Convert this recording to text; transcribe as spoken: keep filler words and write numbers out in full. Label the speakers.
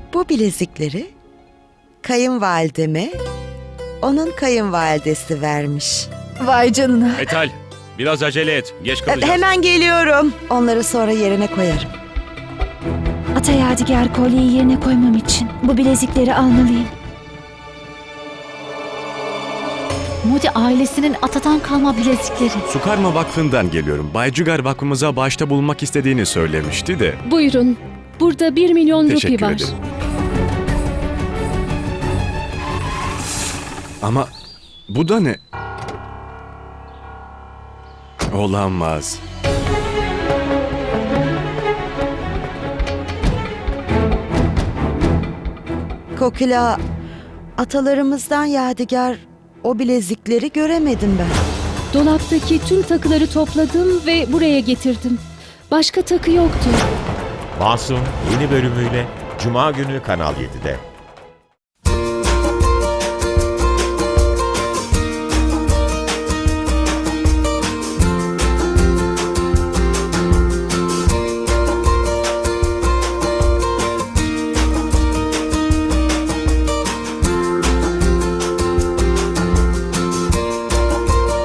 Speaker 1: Bu bilezikleri kayınvalideme onun kayınvalidesi vermiş.
Speaker 2: Vay canına.
Speaker 3: Metal, biraz acele et. Geç
Speaker 1: E,
Speaker 3: kalacağız.
Speaker 1: Hemen geliyorum. Onları sonra yerine koyarım.
Speaker 2: Ata yadigar kolyeyi yerine koymam için bu bilezikleri almalıyım.
Speaker 4: Modi ailesinin atadan kalma bilezikleri.
Speaker 5: Sukarma Vakfı'ndan geliyorum. Bay Jugar vakfımıza bağışta bulunmak istediğini söylemişti de.
Speaker 6: Buyurun. Burada bir milyon rupi
Speaker 5: Teşekkür
Speaker 6: var.
Speaker 5: ederim. Ama bu da ne? Olamaz.
Speaker 1: Kokila, atalarımızdan yadigar o bilezikleri göremedim ben.
Speaker 6: Dolaptaki tüm takıları topladım ve buraya getirdim. Başka takı yoktu.
Speaker 7: Masum yeni bölümüyle Cuma günü Kanal yedide.